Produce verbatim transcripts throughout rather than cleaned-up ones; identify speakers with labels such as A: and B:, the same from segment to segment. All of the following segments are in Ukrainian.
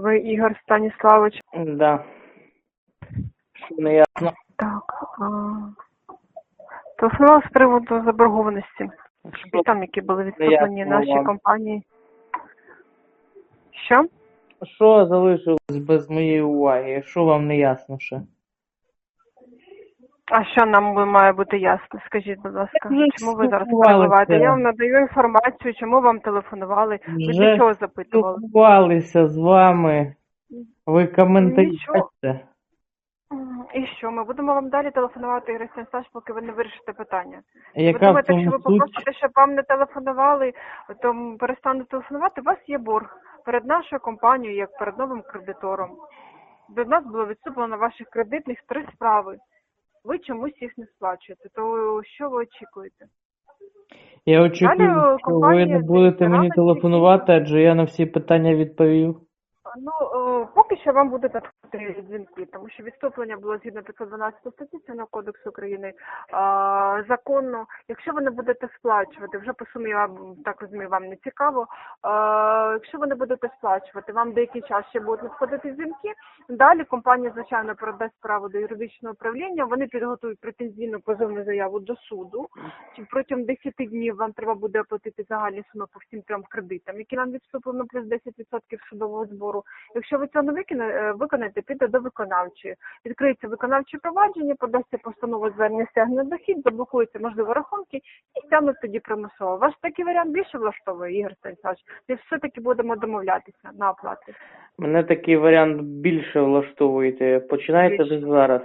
A: Ви Ігор Станіславович.
B: Да. Що не ясно.
A: Так. А... Телефонувала з приводу заборгованості.
B: Що
A: Там, які були
B: не
A: відступлені
B: ясно
A: нашій
B: вам?
A: компанії. Що?
B: Що залишилось без моєї уваги? Що вам не ясно ще?
A: А що нам має бути ясно? Скажіть, будь ласка,
B: Вже
A: чому ви зараз
B: спілкувалися.
A: перебуваєте? Я вам надаю інформацію, чому вам телефонували. Ви
B: Вже
A: для чого запитували?
B: спілкувалися з вами. Ви коментарі
A: Нічого.
B: бачите?
A: М, І що? Ми будемо вам далі телефонувати, Ігор Станіславович, поки ви не вирішите питання. Ви
B: Яка в
A: думаєте, якщо ви
B: цьому суть?
A: попросите, щоб вам не телефонували, то м, перестануть телефонувати, у вас є борг перед нашою компанією, як перед новим кредитором. До нас було відступлено ваших кредитних три справи. Ви чомусь їх не сплачуєте. То що ви очікуєте?
B: Я очікую,
A: Далі,
B: що ви
A: компанія
B: не будете
A: «Дивіться,
B: мені
A: рано
B: телефонувати, адже я на всі питання відповів.
A: Ну, е, поки що вам будуть надходити дзвінки, тому що відступлення було згідно п'ятсот дванадцятої статті Цивільного кодексу України а, законно. Якщо ви не будете сплачувати, вже по сумі, я так розумію, вам не цікаво. А, якщо ви не будете сплачувати, вам деякий час ще будуть надходити дзвінки. Далі компанія, звичайно, передасть справу до юридичного управління. Вони підготують претензійну позовну заяву до суду. Протягом десяти днів вам треба буде оплатити загальні суми по всім трьом кредитам, які нам відступлено, плюс десять відсотків судового збору. Якщо ви цього не виконаєте, виконаєте, піде до виконавчої. Відкриється виконавче провадження, подасться постанова звернення стягнення дохід, заблокуються, можливо, рахунки і стягнуть тоді примусово. Ваш такий варіант більше влаштовує, Ігор Станіславович? Ми все-таки будемо домовлятися на оплату.
B: Мене такий варіант більше влаштовуєте. Починайте
A: Більше.
B: ви зараз.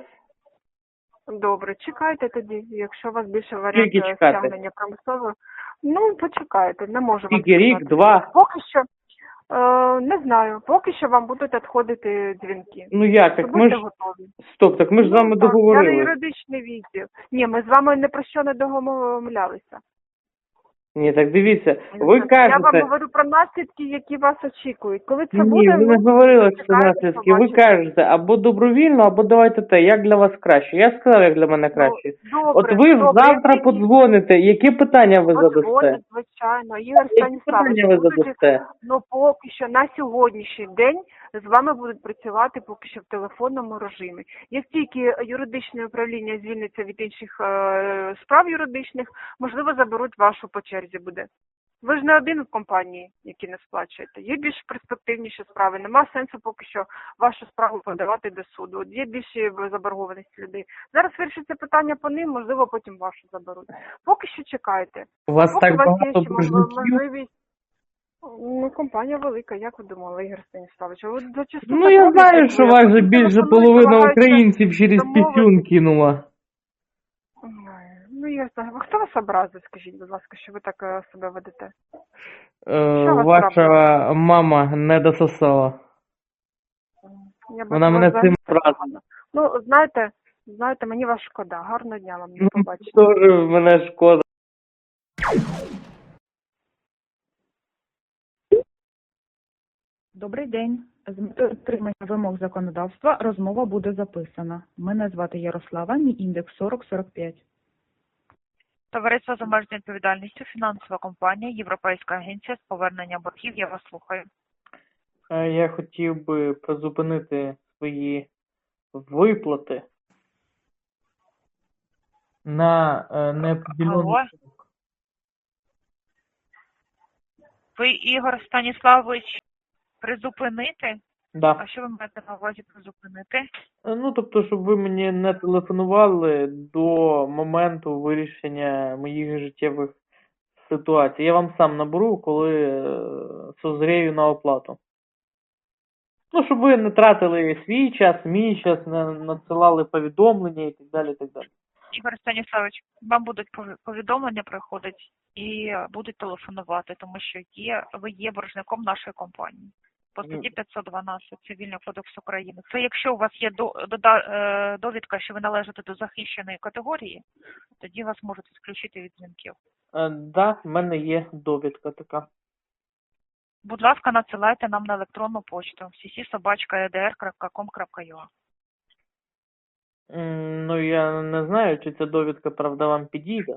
A: Добре, чекайте тоді, якщо у вас більше варіант
B: Скільки чекати?
A: стягнення примусово. Ну, почекайте, не можу вам
B: Скільки, рік,
A: сказати.
B: два?
A: Поки що, е, не знаю, поки що вам будуть надходити дзвінки.
B: Ну як, так ми
A: Будьте
B: ж...
A: готові.
B: Стоп, так ми ж з вами
A: Ну, так, я не
B: договорились.
A: юридичний відділ. Ні, ми з вами не про що не домовлялися.
B: Ні, так дивіться, ви
A: Я вам
B: кажете...
A: говорю про наслідки, які вас очікують. Коли це
B: Ні,
A: буде,
B: ви не
A: ну,
B: говорили, що
A: почекайте,
B: наслідки. Ви
A: побачите.
B: кажете, або добровільно, або давайте те, як для вас краще. Я сказав, як для мене краще.
A: Ну,
B: От
A: добре,
B: ви
A: добре,
B: завтра
A: які-
B: подзвоните, які питання ви задасте?
A: Подзвонять, звичайно. Ігор
B: Які
A: Станіславович,
B: питання ви
A: будуть,
B: задасте?
A: ну поки що на сьогоднішній день з вами будуть працювати поки що в телефонному режимі. Як тільки юридичне управління звільниться від інших е, справ юридичних, можливо, заберуть вашу по черзі буде. Ви ж не один в компанії, які не сплачуєте. Є більш перспективніші справи. Нема сенсу поки що вашу справу подавати до суду. От є більше заборгованості людей. Зараз вирішиться питання по ним, можливо, потім вашу заберуть. Поки що чекайте.
B: У вас
A: Поки
B: так
A: у вас є
B: багато
A: ще
B: боржників?
A: можливість. Ну, компанія велика, як ви думали, Ігор Станіславович? Ви зачасту
B: Ну
A: так
B: я
A: роблять,
B: знаю,
A: як
B: що
A: ви.
B: вас же
A: Потім
B: більше
A: телефонують,
B: половина
A: намагаються
B: українців через
A: домовитись.
B: пісюн кинула.
A: Ой, ну, я знаю. А хто вас образив, скажіть, будь ласка, що ви так е, себе ведете?
B: Е,
A: Що вас
B: ваша мама не дососала.
A: Я бачу,
B: Вона
A: вас
B: мене
A: взагалі
B: цим
A: так
B: вразила.
A: погано. Ну, знаєте, знаєте, мені вас шкода. Гарного дня вам, до
B: Ну,
A: побачення.
B: теж мене шкода.
C: Добрий день. З метою дотримання вимог законодавства розмова буде записана. Мене звати Ярослава, мій індекс сорок сорок п'ять.
D: Товариство з обмеженою відповідальністю, фінансова компанія, Європейська агенція з повернення боргів. Я вас слухаю.
B: Е, Я хотів би призупинити свої виплати на е, неопределений
D: Алло? Ви, Ігор Станіславович, призупинити?
B: Да.
D: А що ви маєте на увазі призупинити?
B: Е, Ну, тобто, щоб ви мені не телефонували до моменту вирішення моїх життєвих ситуацій. Я вам сам наберу, коли е, созрію на оплату. Ну, щоб ви не тратили свій час, мій час, не надсилали повідомлення і так далі, і так далі.
D: Ігор Станіславович, вам будуть пові- повідомлення приходять і будуть телефонувати, тому що є, ви є боржником нашої компанії. По статті п'ятсот дванадцять Цивільного кодексу України. Це якщо у вас є до, дода- е, довідка, що ви належите до захищеної категорії, тоді вас можуть відключити від дзвінків.
B: Е, да, в мене є довідка така.
D: Будь ласка, надсилайте нам на електронну почту сі сі собачка е де ер крапка ком крапка ю а.
B: М, Ну, я не знаю, чи ця довідка, правда, вам підійде.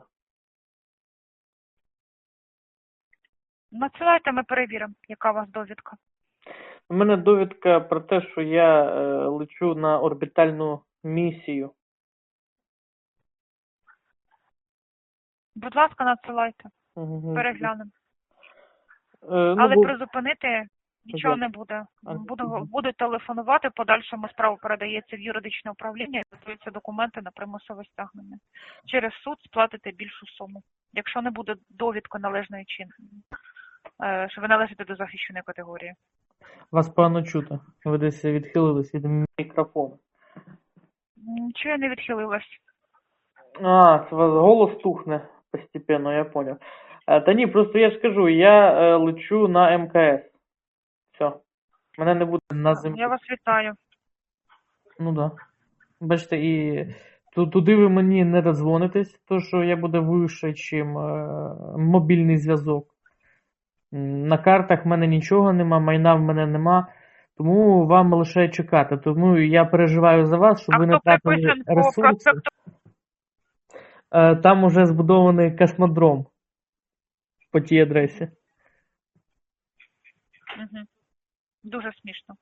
D: Надсилайте, ми перевіримо, яка у вас довідка.
B: У мене довідка про те, що я е, лечу на орбітальну місію.
D: Будь ласка, надсилайте,
B: Мгм.
D: переглянемо.
B: Е, ну,
D: Але
B: бо-
D: призупинити нічого
B: Як?
D: не буде.
B: А,
D: Буду,
B: мгм.
D: будуть телефонувати, в подальшому справа передається в юридичне управління і готуються документи на примусове стягнення. Через суд сплатите більшу суму. Якщо не буде довідки належної чин, е, що ви належите до захищеної категорії.
B: Вас погано чути. Ви десь відхилились від мікрофону.
D: Нічого я не відхилилась.
B: А, це у вас голос тухне постепенно, я понял. Е, Та ні, просто я ж кажу, я е, лечу на ем ка ес. Все. Мене не буде на землі.
D: Я вас вітаю.
B: Ну да. Бачите, і ту- туди ви мені не дозвонитесь, то що я буду вище, чим е, мобільний зв'язок. М, На картах в мене нічого нема, майна в мене нема, тому вам лише чекати. Тому я переживаю за вас, щоб
D: А
B: ви не
D: хто
B: тратили
D: приписан по
B: ресурси.
D: проспекту?
B: Е, Там уже збудований космодром по тій адресі.
D: Угу. Дуже смішно.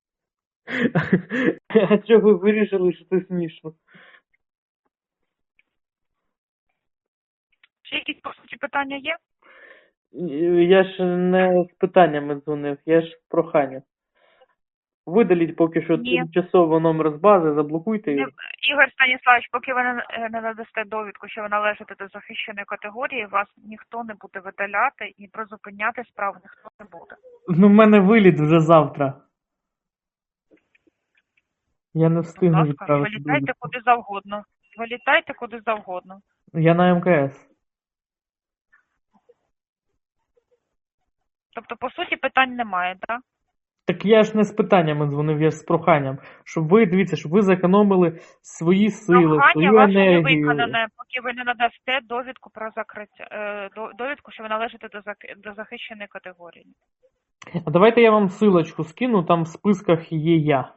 B: А чого ви вирішили, що це смішно?
D: Ще якісь по суті питання є?
B: Я ж не з питаннями дзвонив, я ж з проханням. Видаліть поки що
D: Ні.
B: тимчасово номер з бази, заблокуйте
D: Не-
B: його.
D: Ігор Станіславович, поки ви не е, не надасте довідку, що ви належите до захищеної категорії, вас ніхто не буде видаляти і призупиняти справу ніхто не буде.
B: Ну, в мене виліт вже завтра. Я не
D: Будь
B: встигну
D: ласка,
B: відправити
D: вилітайте
B: довідку.
D: куди завгодно. Вилітайте куди завгодно.
B: Я на ем ка ес.
D: Тобто, по суті, питань немає, так?
B: Так я ж не з питаннями дзвонив, я ж з проханням. Щоб ви, дивіться, щоб ви зекономили свої сили,
D: Прохання
B: свою
D: ваше не
B: енергію.
D: виконане, поки ви не надасте довідку про закриття, е, до- довідку, що ви належите до, зак- до захищеної категорії.
B: А давайте я вам силочку скину, там в списках є я.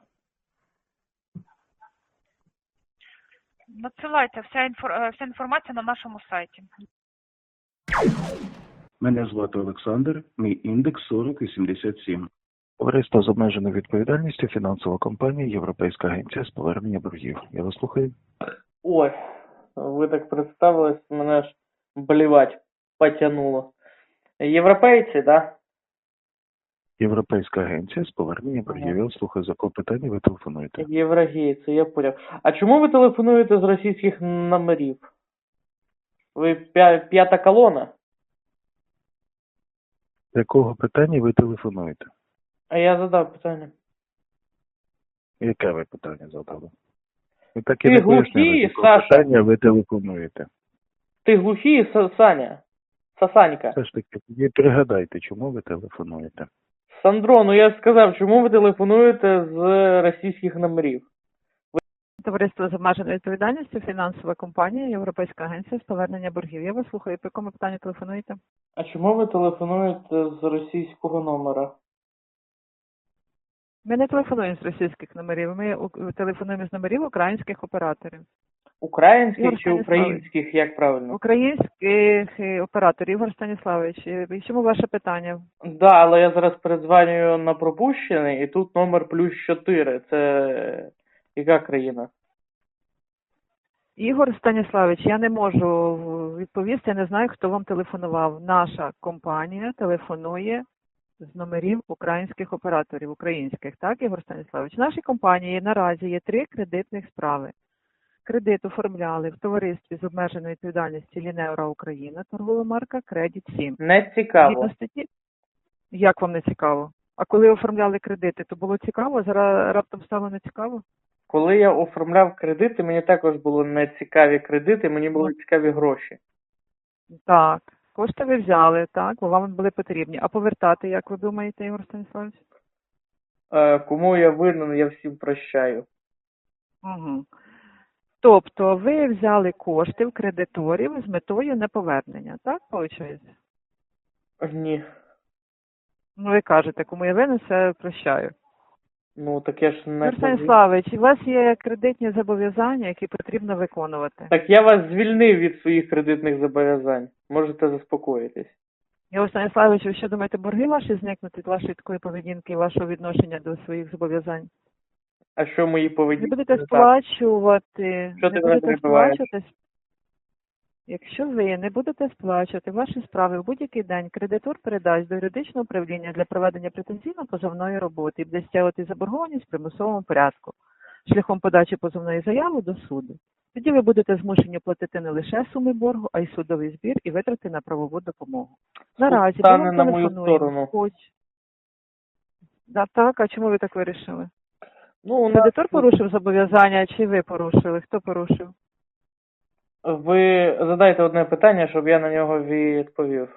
D: Надсилайте вся, інфор... е, вся інформація на нашому сайті.
E: Мене звати Олександр, мій індекс сорок вісімдесят сім.
F: Товариство з обмеженою відповідальністю, фінансова компанія, Європейська агенція з повернення боргів. Я вас слухаю.
B: Ой, ви так представились, мене ж блівать потянуло. Європейці, да?
F: Європейська агенція з повернення боргів. Я вас слухаю, за кого питання ви телефонуєте.
B: Єврогейці, я поняв. А чому ви телефонуєте з російських номерів? Ви п'я- п'ята колона?
F: З якого питання ви телефонуєте?
B: А я задав питання.
F: Яке ви питання задали? Ви так
B: Ти
F: і не
B: глухий,
F: пояснили, з якого
B: Саша?
F: питання ви телефонуєте.
B: Ти глухий, Са- Саня? Сасанька?
F: Все ж таки, тоді пригадайте, чому ви телефонуєте.
B: Сандро, ну я ж сказав, чому ви телефонуєте з російських номерів?
G: Товариство з обмеженою відповідальністю, фінансова компанія, Європейська агенція з повернення боргів. Я вас слухаю, по якому питанню телефонуєте?
B: А чому ви телефонуєте з російського номера?
G: Ми не телефонуємо з російських номерів, ми у- телефонуємо з номерів українських операторів.
B: Українських
G: Ігор
B: чи
G: Станіславович.
B: українських, як правильно?
G: Українських е, операторів, Ігор Станіславович. е, В чому ваше питання?
B: Да, але я зараз передзвонюю на пропущений, і тут номер плюс чотири. Це яка країна?
G: Ігор Станіславович, я не можу відповісти, я не знаю, хто вам телефонував. Наша компанія телефонує з номерів українських операторів, українських, так, Ігор Станіславович? В нашій компанії наразі є три кредитних справи. Кредит оформляли в товаристві з обмеженою відповідальністю Лінеура Україна, торгова марка Кредит сім.
B: Не цікаво.
G: Згідно статті, як вам не цікаво? А коли оформляли кредити, то було цікаво, зараз раптом стало не цікаво?
B: Коли я оформляв кредити, мені також були не цікаві кредити, мені були цікаві гроші.
G: Так, кошти ви взяли, так, бо вам були потрібні. А повертати, як ви думаєте, Ігор Станіславович?
B: Е, кому я винен, я всім прощаю.
G: Угу. Тобто ви взяли кошти в кредиторів з метою неповернення, так, виходить?
B: Ні.
G: Ну, ви кажете, кому я винен, все прощаю.
B: Ну, таке ж не...
G: Ігор Станіславович, у вас є кредитні зобов'язання, які потрібно виконувати.
B: Так я вас звільнив від своїх кредитних зобов'язань. Можете заспокоїтись.
G: Ігор Станіславович, ви що думаєте, борги ваші зникнуть від вашої такої поведінки і вашого відношення до своїх зобов'язань?
B: А що мої
G: Не
B: поведінки?
G: будете
B: не так?
G: сплачувати,
B: Що
G: не
B: ти мене
G: будете
B: перебиваєш?
G: сплачувати. Якщо ви не будете сплачувати ваші справи в будь-який день, кредитор передасть до юридичного управління для проведення претензійно-позовної роботи і буде стягувати заборгованість в примусовому порядку шляхом подачі позовної заяви до суду. Тоді ви будете змушені платити не лише суми боргу, а й судовий збір і витрати на правову допомогу. Наразі ми
B: стане
G: вам
B: на мою
G: телефонуємо.
B: сторону.
G: Хоч... Да, так, а чому ви так вирішили?
B: Ну, у нас
G: Кредитор порушив зобов'язання, чи ви порушили? Хто порушив?
B: ви задайте одне питання, щоб я на нього відповів.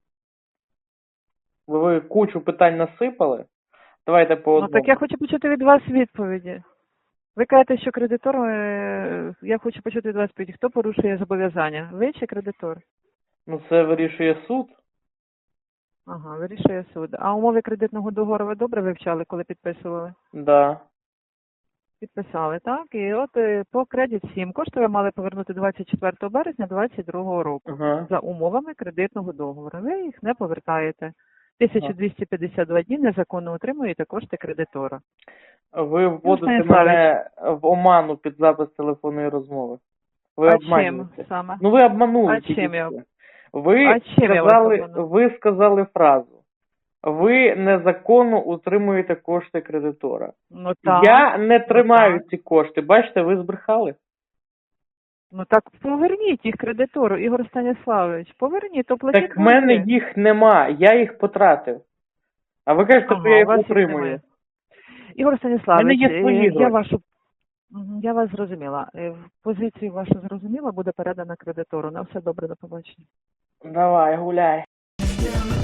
B: Бо ви кучу питань насипали. Давайте по
G: Ну
B: одному.
G: так я хочу почути від вас відповіді. Ви кажете, що кредитор, е, я хочу почути від вас відповіді, хто порушує зобов'язання? Ви чи кредитор?
B: Ну, це вирішує суд.
G: Ага, вирішує суд. А умови кредитного договору ви добре вивчали, коли підписували?
B: Да.
G: Підписали, так? І от е, по кредит сім кошти ви мали повернути двадцять четвертого березня двадцять другого року.
B: Ага.
G: За умовами кредитного договору. Ви їх не повертаєте. тисяча двісті п'ятдесят два дні незаконно утримуєте кошти кредитора.
B: Ви вводите
G: Станіславович.
B: мене в оману під запис телефонної розмови. Ви
G: А
B: обманюєте.
G: чим саме?
B: Ну ви обманули.
G: А
B: тільки
G: чим я-
B: що. Ви
G: А чим я вас
B: сказали,
G: обманула?
B: ви сказали фразу. Ви незаконно утримуєте кошти кредитора.
G: Ну так.
B: Я не тримаю
G: так.
B: ці кошти. Бачите, ви збрехали.
G: Ну так поверніть їх кредитору, Ігор Станіславович. Поверніть, то платіть.
B: Так в мене
G: борги.
B: їх нема, я їх потратив. А ви кажете,
G: Ага,
B: що я
G: у
B: їх
G: вас їх
B: утримую.
G: немає. Ігор Станіславович,
B: В мене є свої
G: е, я
B: гроші.
G: вашу Мгм, я вас зрозуміла. Е, Позицію вашу зрозуміла, буде передана кредитору. На все добре, до побачення.
B: Давай, гуляй.